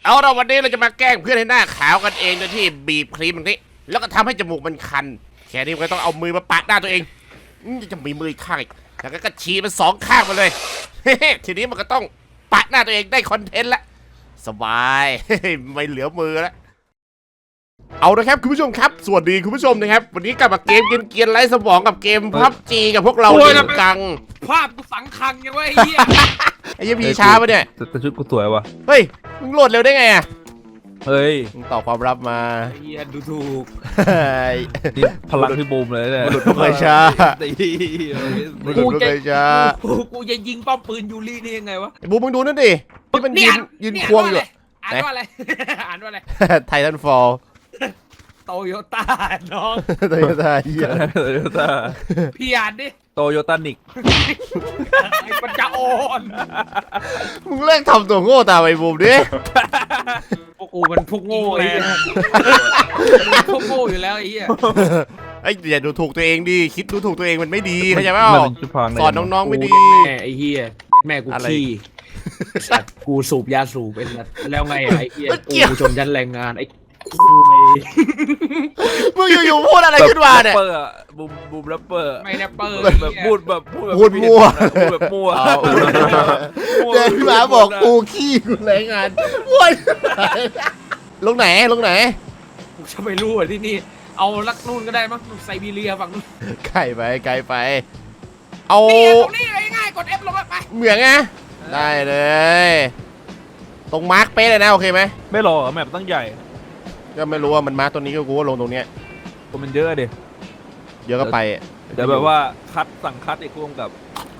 เอาเราวันนี้เราจะมาแกล้งเพื่อนให้หน้าขาวกันเองโดยที่บีบครีมตรงนี้แล้วก็ทำให้จมูกมันคันแค่นี้ก็ต้องเอามือมาปะหน้าตัวเองจะมีมืออีกข้างอีกแล้วก็ฉีดมันสองข้างมาเลย ทีนี้มันก็ต้องปะหน้าตัวเองได้คอนเทนต์ละสบาย ไม่เหลือมือแล้วเอาละครับคุณผู้ชมครับสวัสดีคุณผู้ชมนะครับวันนี้กลับมาเกมเกียนไร้สมองกับเกมพับจีกับพวกเราเองกังภาพกูสังคังยังไงไอ้เหี้ยไอ้ยี่พีช้าปะเนี่ยแต่ชุดกูสวยวะเฮ้ยมึงโหลดเร็วได้ไงอ่ะเฮ้ยมึงตอบความลับมาไอ้เหี้ยดูถูกนี่พลังพี่บูมเลยเนี่ยบุรุษผู้เคยช้า บุรุษผู้เคยช้ากูจะยิงป้อมปืนยูรินี่ยังไงวะไอ้บูมมึงดูนั่นดิที่มันยืนควงอยู่อ่านว่าอะไร อ่านว่าอะไรไททันฟอลโตโยต้าน้องโตโยต้าเหี้ยโตโยต้าพี่อ่านดิโตโยต้านิกไอ้ปัญญาอ่อนมึงเลิกทำตัวโง่ตามไอ้บูมดิพวกกูมันพวกโง่ไอ้เหี้ยพวกโง่อยู่แล้วไอ้เหี้ยไอ้อย่าดูถูกตัวเองดิคิดดูถูกตัวเองมันไม่ดีเข้าใจเปล่ามันเป็นชุดพรางเลยสอนน้องๆไม่ดีแม่ไอ้เหี้ยแม่กูอะไรขี้สัตว์กูสูบยาสูบเป็นสัตว์แล้วไงอะไอ้เหี้ยกูชนชั้นแรงงานไอ้คุยมึงอยู่ๆพูดอะไรขึ้นมาเนี่ยแรปเปอร์อะบูมแรปเปอร์ไม่แรปเปอร์แบบพูดแบบพูดมั่วพูดแบบมั่วเอาเดินมาบอกกูขี้กูแรงงานว้ยลงไหนกูจะไม่รู้อ่ะที่นี่เอาลักนู่นก็ได้มั้งไซบีเรียฝั่งนู้นไกลไปเอานี่ตรงนี้ง่ายๆกด F ลงไปเหมืองไงได้เลย ตรงมาร์กเป๊ะเลยนะโอเคไหมไม่รอแมปตั้งใหญ่ก็ไม่รู้ว่ามันมาร์กตัวนี้ก็กูว่าลงตรงเนี้ยคนมันเยอะดิเดี๋ยวก็ไปเดี๋ยวแบบว่าสั่งคัดอีกกูกับ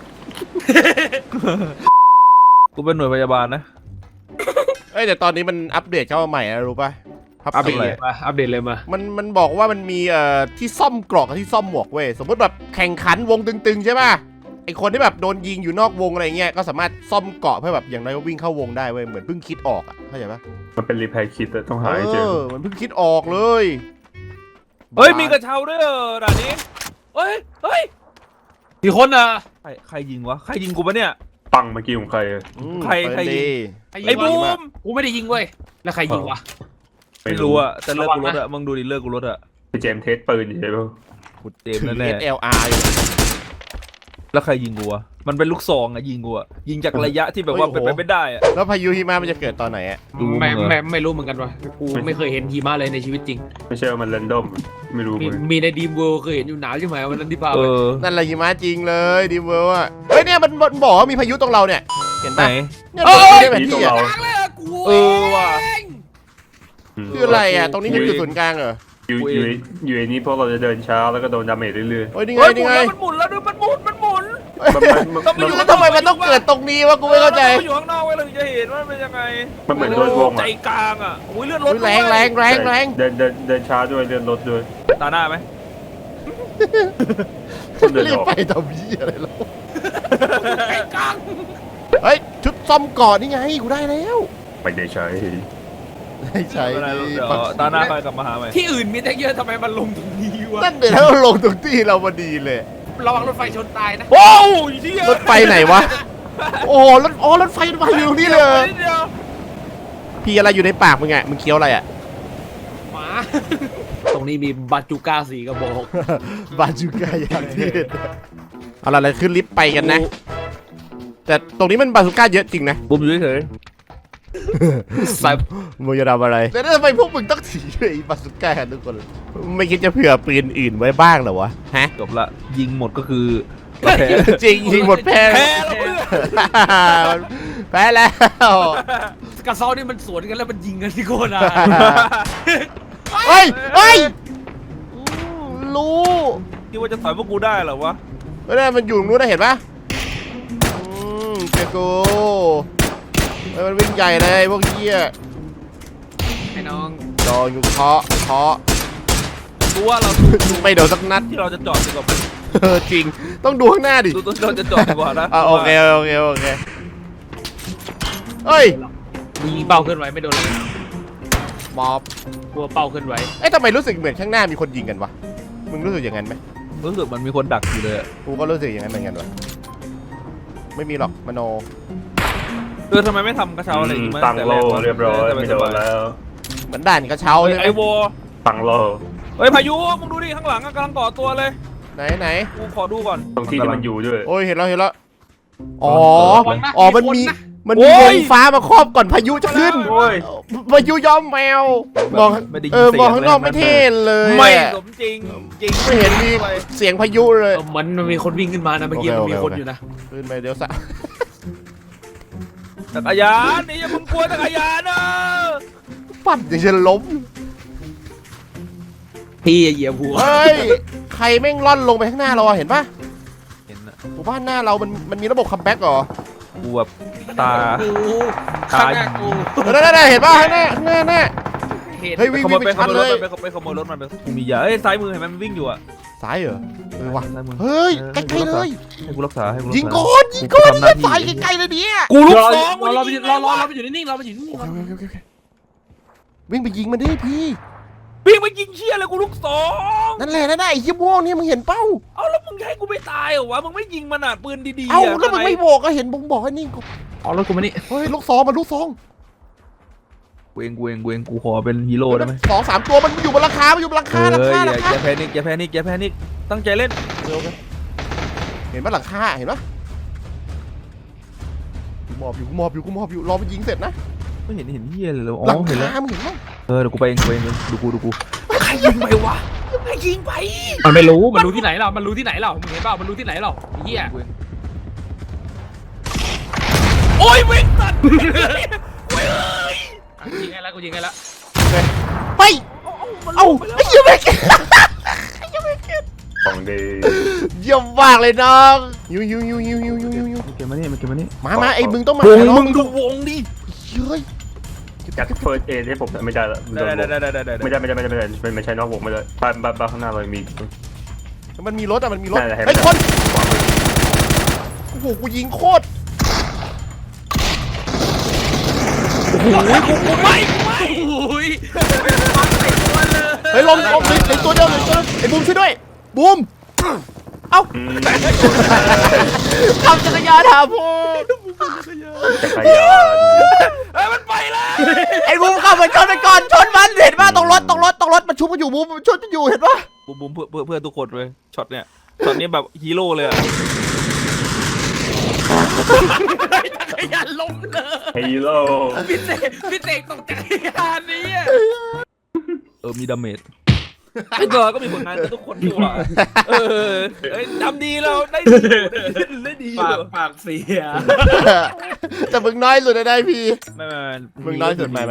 กูเป็นหน่วยพยาบาลนะเอ้ยแต่ตอนนี้มันอัปเดตเข้ามาใหม่นะรู้ป่ะอัปเดตอะไรเลยมาอัปเดตเลยมามันบอกว่ามันมีที่ซ่อมเกราะกับที่ซ่อมหมวกเว้ยสมมติแบบแข่งขันวงตึงๆใช่ป่ะไอคนที่แบบโดนยิงอยู่นอกวงอะไรเงี้ยก็สามารถซ่อมเกราะเพื่อแบบอย่างน้อยก็วิ่งเข้าวงได้เว้ยเหมือนเพิ่งคิดออกอ่ะเข้าใจปะมันเป็นรีแพร์คิดต้องหาให้เจอมันเพิ่งคิดออกเลยเฮ้ยมีกระเช้าด้วยด่านนี้เฮ้ยกี่คนอ่ะใครยิงวะใครยิงกูปะเนี่ยปังเมื่อกี้ของใครอะอืมใครเปิดยิงดีไอ้บูมกูไม่ได้ยิงเว้ยแล้วใครยิงวะไม่รู้อะแต่เลิกกูรถระวังนะอะมึงดูดิเลิกกูรถอะไปเจมส์เทสปืนอยู่ใช่ปะกูเจมถืส์อแน่ SLR อยู่ๆแล้วใครยิงกูอะมันเป็นลูกซองอะยิงกูอะยิงจากระยะที่แบบว่าเป็นไปไม่ได้อะแล้วพายุหิมะมันจะเกิดตอนไหนอ่ะดูมึงเหรอไม่รู้เหมือนกันวะกูไม่เคยเห็นหิมะเลยในชีวิตจริงไม่ใช่ว่ามันเรนดอมไม่รู้มีเลยมีในดีมเวิลด์เคยเห็นอยู่หนาวใช่ไหมวันนั้นที่พาเอไปอนั่นแหละหิมะจริงเลยดีเวอร์อ่ะเฮ้ยเนี่ยมันบอกว่ามีพายุตรงเราเนี่ยเห็นไหนปะเนี่ยในแผนที่อ่ะกลางเลยเหรอกูเออว่ะเองคืออะไรอ่ะตรงนี้คือจุดศูนย์กลางเหรออยู่ไอ้นี้พวกเราจะเดินช้าแล้วก็โดนดาเมจเรื่อยเฮ้ยนี่ไงเฮ้ยนี่ไงมันหมุนแล้วดูมันหมุนๆมันแล้วทำไมมันต้องเกิดตรงนี้วะกูไม่เข้าใจอยู่ข้างนอกไว้เราจะเห็นว่ามันเป็นยังไงมันเหมือนโดนวงใจอะกลางอะอุ้ยเลื่อนรถอุ๊ยแรงเดินช้าด้วยเดินรถด้วยตาหน้าไหมต้องเดินรีอบ อกไปทำยี่อะไรแล้วไอ้กลางเฮ้ยชุดซ่อมก่อนนี่ไงกูได้แล้วไม่ได้ใช้ไม่ใช่ไม่เป็นไรดิเดี๋ยวตาหน้าไปกลับมาหาใหม่ที่อื่นมีตั้งเยอะทำไมมันลงตรงนี้วะนั่นเดี๋ยวถ้าเราลงตรงที่เราพอดีเลยระวังรถไฟชนตายนะโอ้ยเหี้ยรถไฟไหนวะโอ้รถไฟอยู่ตรงนี้เลยเดี๋ยวพี่อะไรอยู่ในปากมึงอ่ะมึงเคี้ยวอะไรอ่ะหมา ตรงนี้มีบาจูก้าสีกระบอกบาจูก้าอย่างที่เด็ดเอาล่ะไรขึ้นลิฟต์ไปกันนะ แต่ตรงนี้มันบาจูก้าเยอะจริงนะบุ้มอยู่เฉยใส่มึงจะทำอะไรแต่ทำไมพวกมึงต้องถือไอ้บาซูก้ากันทุกคนไม่คิดจะเผื่อปืนอื่นไว้บ้างเหรอวะฮะจบละยิงหมดก็คือจริงยิงหมดแพ้แพ้แล้วเพื่อนแพ้แล้วกระเซ้านี่มันสวนกันแล้วมันยิงกันที่โคตรอ่ะเฮ้ยรู้คิดว่าจะถอยพวกกูได้เหรอวะไม่ได้มันอยู่ตรงนู้นนะเห็นปะเจอกูมันวิ่งใหญ่เลยพวกเหี้ยไอ้น้องรออยู่เคาะกูว่าเราไม่โดนสักนัดที่เราจะจอดดีกว่าจริงต้องดูข้างหน้าดิดูเราจะจอดดีกว่านะโอเคเฮ้ยยิงเป้าขึ้นไว้ไม่โดนเลยมอบกลัวเป้าขึ้นไว้เอ้ยทำไมรู้สึกเหมือนข้างหน้ามีคนยิงกันวะมึงรู้สึกอย่างนั้นไหมรู้สึกมันมีคนดักอยู่เลยกูก็รู้สึกอย่างนั้นเหมือนกันวะไม่มีหรอกมโนทำไมไม่ทำกระเช้าอะไรอย่างงี้มาตั้งแต่โลแรกวะเรียบร้อยไม่โดนแล้วเหมือนด่านกระเช้าใช่ไหมไอ้โวตั้งโลเฮ้ยพายุมึงดูดิข้างหลังอะกำลังก่อตัวเลยไหนกูขอดูก่อนตรงที่ที่มันอยู่ด้วยโอ้ยเห็นแล้วอ๋อระวังนะอ๋อมันคนมีนะมันมีวงฟ้ามาครอบก่อนพายุจะขึ้นโอ้ยพายุย้อมแมวมองไม่ได้ยินมองข้างนอกไม่เท่เลยไม่อะสมจริงจริงไม่เห็นมีเสียงพายุเลยเหมือนมันมีคนวิ่งขึ้นมานะเมื่อกี้โอเคมันมีโอเคคนอยู่นะขึ้นไปเดี๋ยวสะจักรยานนี่อย่ามึงกลัวจักรยานนะปั่นอย่างจะล้มพี่เหยียบหัวเฮ้ยใครแม่งล่อนลงไปข้างหน้าเราอะเห็นปะเห็นอะหมู่บ้านหน้าเรามันมีระบบคัมแบ็กเหรอกูแบบตากูข้างหน้ากูนั่นเห็นปะข้างหน้าหน้าเห็นเฮ้ยวิ่งขโมยไปไปขชัดโมยเลรถยมันไปขโมยรถมันไปกูมียาเอ้ยซ้ายมือเห็นไหมมันวิ่งอยู่อะซ้ายเหรอว่ะซ้ายมือเฮ้ยเออใกล้ๆเลยให้กูรักษาให้กูรักษายิงก่อนยิงก่อนกูทำหน้าที่ซ้ายใกล้ๆเลยเนี่ยกูลูกรอสองรอไปอยู่นิ่งๆรอไปอยู่นิ่งโอเควิ่งไปยิงมันดิพี่วิ่งไปยิงเชี่ยเลยกูลูกสองนั่นแหละไอ้เหี้ยม่วงเนี่ยมึงเห็นเป้าเอาแล้วมึงจะให้กูไม่ตายเหรอวะมึงไม่ยิงมันอ่ะปืนดีๆเอ้าอะแล้วมึงไม่บอกก็เห็นผมบอกให้นิ่งๆเอารถกูมานี่เฮ้ยลูกซองมันลูกซองกูเองกูขอเป็นฮีโร่ได้ไหม 2-3 ตัวมันอยู่บนราคามันอยู่บนราคาราเอ้ยคาอย่าราคาอย่าแพนิคอย่าแพนิคอย่าแพนิคตั้งใจเล่นเห็นปะหลังคาเห็นปะกูมอบอยู่รอมันยิงเสร็จนะไม่เห็นเฮียเลยเหรออ๋หลังอเห็นแล้วคามึงเห็นปะเดี๋ยวกูไปเองดูกูใครยิงไปวะใครยิงไปมันไม่รู้มันรู้ที่ไหนเรามันรู้ที่ไหนเรามึงเห็นเปล่ามันรู้ที่ไหนเราไอ้เหี้ยโอ้ยวิ่งสัตว์กูยิงให้แล้วกูยิงให้แล้วไปเอ้าไอ้เหี้ยแม่งของดีเยี่ยมมากเลยน้องยูมันเก็บมานี่มาไอ้มึงต้องมาวงน้อมึงดูวงดิเฮ้ยจัดเฟิร์สเอให้ผมไม่ได้ละได้ไม่ใช่นอกวงไม่ได้บ้านข้างหน้าเรามีมันมีรถมันมีรถนั่นแหละเห็นไหมเฮ้ยคนโอ้โหกูยิงโคตรกูไม่โอ้ยเฮ้ยลมเหลือตัวเดียวไอ้บูมช่วยด้วยบูมเอ้าขับจักรยานหาพ่อจักรยานเฮ้ยมันไปแล้วไอ้บูมขับมันชนมันเห็นป่ะตรงรถมันชุบมันอยู่บูมมันชุบมันอยู่เห็นป่ะบูมเพื่อทุกคนเลยช็อตเนี้ยช็อตนี้แบบฮีโร่เลยอะจักรยานล้มเลยฮีโร่พี่เสกตกจักรยานนี้มีดาเมจไอ้ตัวก็มีผลงานกับทุกคนอยู่อ่ะทำดีแล้วได้ดีปากเสียแต่มึงน้อยสุดได้พี่ไม่มึงน้อยสุดไม่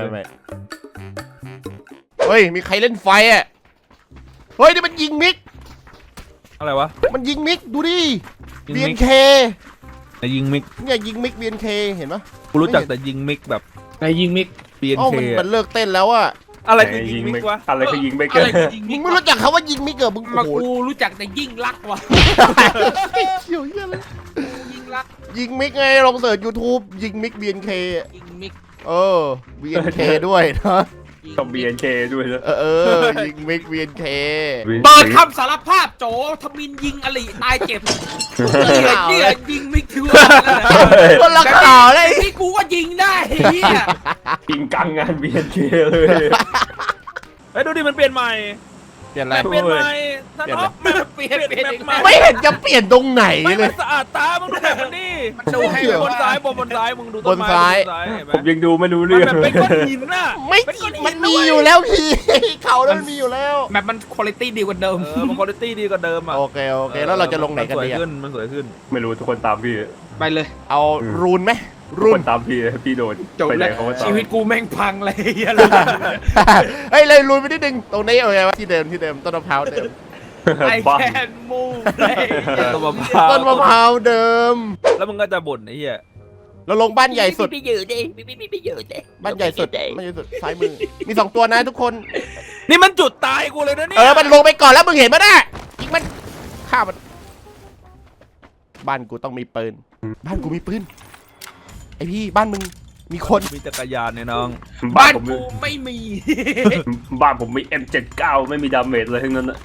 เฮ้ยมีใครเล่นไฟอ่ะเฮ้ยนี่มันยิงมิกอะไรวะมันยิงมิกดูดิยิงมิก BNK ยิงมิกเนี่ยยิงมิก BNK เห็นปะกูรู้จักแต่ยิงมิกแบบไอ้ยิงมิกอ๋อ BNK มันเลิกเต้นแล้วอะอะไรคือยิงมิกวะอะไรคือยิงไม่เกิอะไรนคือยิงมึมิงกไม่รู้จักคำว่ายิงมิกเหรอมึงมาโอ้โหกูรู้จักแต่ยิ่งรักว่ะเกี่ยวเหี้ยเลยยิ่งรักยิงมิกไงลองเสิร์ช YouTube ยิงมิก BNK ยิงมิก BNK ด้วยนะต้อง BNK ด้วยนะยิงมิก BNK เปิดคำสารภาพโจทมินยิงอลิตายเจ็บเนี่ยยิงมิกถือว่าคนละข่าวเลยที่กูก็ยิงได้เฮียยิงกลางงาน BNK เลยเฮ้ยดูดิมันเปลี่ยนใหม่เปลี่ยนอะไรเปลี่ยนใหม่ท่านอ๊อฟมันเปลี่ยนใหม่ไม่เห็นจะเปลี่ยนตรงไหนไม่เลมัยนสะอาดตามึงดูแบบมันดิดูให้บนซ้ายบนซ้ายมึงดูบนซ้ายเห็นไหมผมยังดูไม่รู้มันเรื่องแบบเป็นก้อนหินน่ะไม่มันมีอยู่แล้วพี่ เขาแล้วมันมีอยู่แล้วแบบมันคุณภาพดีกว่าเดิมมันคุณภาพดีกว่าเดิมอ่ะโอเคแล้วเราจะลงไหนกันดีมันสวยขึ้นไม่รู้ทุกคนตามพี่ไปเลยเอารูนไหมทุกรูคน นตามพี่โดนจบไปไหนแล้วเขาก็ตามชีวิตกูแม่งพังเลยเฮียเฮ้ยเลยรูนไปนิดนึงตรงนี้โอเควะที่เดิมต้นมะพร้าวเดิมไอบ้าแคนมูฟเลยต้นมะพร้าวต้นมะพร้าวเดิมแล้วมึงก็จะบ่นไอ้เหี้ยเราลงบ้านใหญ่สุดไม่อยู่ดิไม่อยู่ดิบ้านใหญ่สุดซ้ายมือมี2ตัวนะทุกคนนี่มันจุดตายกูเลยนะเนี่ยมันลงไปก่อนแล้วมึงเห็นปะน่ะยิงมันฆ่ามันบ้านกูต้องมีปืนบ้านกูมีปืนไอพี่บ้านมึงมีคนมีจักรยานเนี่ยน้องบ้านกูไม่มีบ้านผมมี M79 ไม่มีดาเมจเลยทั้งนั้นนะ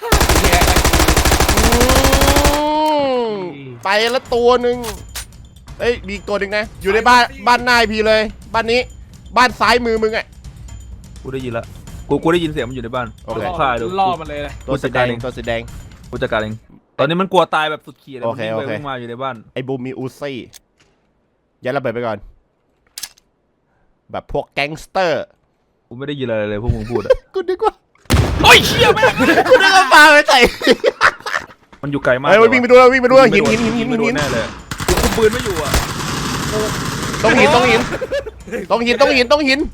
ไปละตัวหนึ่งเอ้ยมีอีกตัวหนึ่งนะอยู่ในบ้านนายพี่เลยบ้านนี้บ้านซ้ายมือมึงอ่ะกูได้ยินละกูได้ยินเสียงมันอยู่ในบ้านโอเคกูฆ่าดูล่อมันเลยนะตัวสีแดงตัวสีแดงกูจัดการเองตอนนี้มันกลัวตายแบบสุดขีดเลยโอมันเควิ่งไปโอเควิ่งมาอยู่ในบ้านไอ้บูมมีอูซี่ยัดระเบิดไปก่อน แบบพวกแก๊งสเตอร์กูไม่ได้ยินอะไรเลยพวกมึงพูดอะกูนึกว่าโอ้ยเชี่ยแม่งกูนึกว่าปลาไปใส่มันอยู่ไกลมากเฮ้ยวิ่งไปดูแล้ววิ่งไปดูแล้วหินไม่โดแน่เลยกูคุมปืนไม่อยู่อ่ะต้องหิน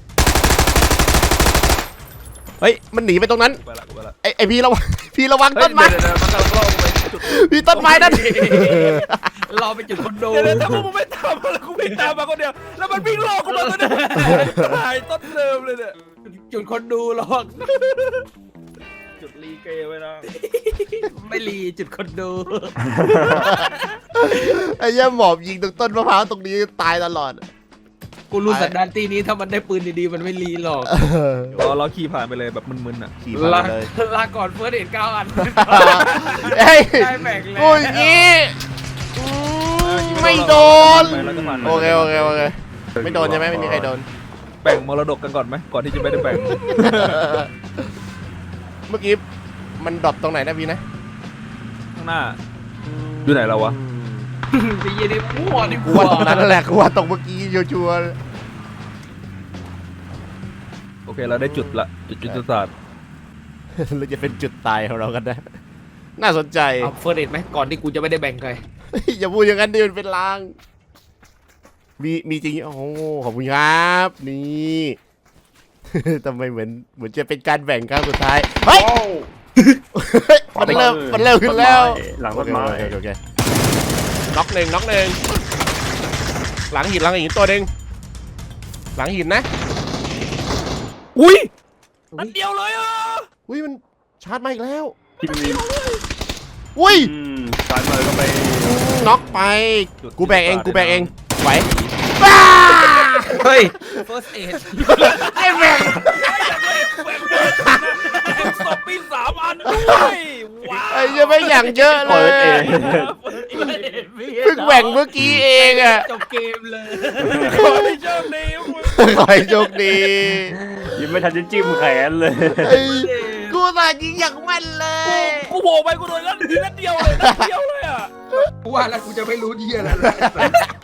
เฮ้ยมันหนีไปตรงนั้นไปละกูไปละไอ้พี่ระวังพี่ระวังเฮ้ยต้นไม้เดี๋ยวมันกำลังล่อกูไปจุดพี่ต้นไม้นั่นรอไปจุดคอนโดเดี๋ยวถ้าพวกมึงไม่ตามมาแล้วกูวิ่งตามมาคนเดียวแล้วมันวิ่งล่อกูมาตัวเนี้ยตายต้นเดิมเลยเนี่ยจุดคนดูหรอกจุดรีเกย์ไว้นะไม่รีจุดคนดูไอ้เหี้ยหมอบยิงตรงต้นมะพร้าวตรงนี้ตายตลอดกูรู้สันดานตีนี้ถ้ามันได้ปืนดีๆมันไม่รีหรอกเราขี่ผ่านไปเลยแบบมึนๆอ่ะขี่ลามาเลยลาก่อนเฟิร์สเห็น9 อันเฮ้ยได้แบ่งแล้วกูอย่างงี้ไม่โดนไปแล้วก็ผ่านไปโอเคไม่โดนใช่ไหมไม่มีใครโดนแบ่งมรดกกันก่อนไหมก่อนที่จะไม่ได้แบ่งเมื่อกี้มันดรอปตรงไหนนะพี่นะข้างหน้าอยู่ไหนเราวะไปยืนในมั่วนี่กูว่าตรงนั้นแหละกูว่าตรงเมื่อกี้ชัวร์โอเคเราได้จุดละจุดยุทธศาสตร์ๆเราจะเป็นจุดตายของเรากันนะน่าสนใจเอาเฟิร์สเห็นไหมก่อนที่กูจะไม่ได้แบ่งใครอย่าพูดอย่างนั้นดิมันเป็นลาง มีจริงโอ้โหขอบคุณครับนี่ ทำไมเหมือนจะเป็นการแบ่งครั้งสุดท้ายเฮ้ย มันเริ่มขึ้นแล้วหลังต้นไม้โอเคน็อกหนึ่งหลังหินตัวหนึ่งหลังหินนะอุ้ยนัดเดียวเลยอ่ะอุ้ยมันชาร์จมาอีกแล้วที่มีอุ้ยสายมือก็ไปน็อกไปกูแบกเองไหวเฮ้ย first aid ไอ้แม่งศพปี3 อันด้วยว้าวไอ้ยังไม่อย่างเยอะเลเปิดเอย งเพิ่งแบ่งเมื่อกี้เองอะจบเกมเลยขอให้โชคดีขอให้โชคดียังไม่ทันจะจิ้มแขนเลยไอ้กูสายิงอย่างแม่นเลยกูโผล่ไปกูโดนนัดเดียวเลยอ่ะกูว่าแล้วกูจะไม่รู้เยี่ยอะไร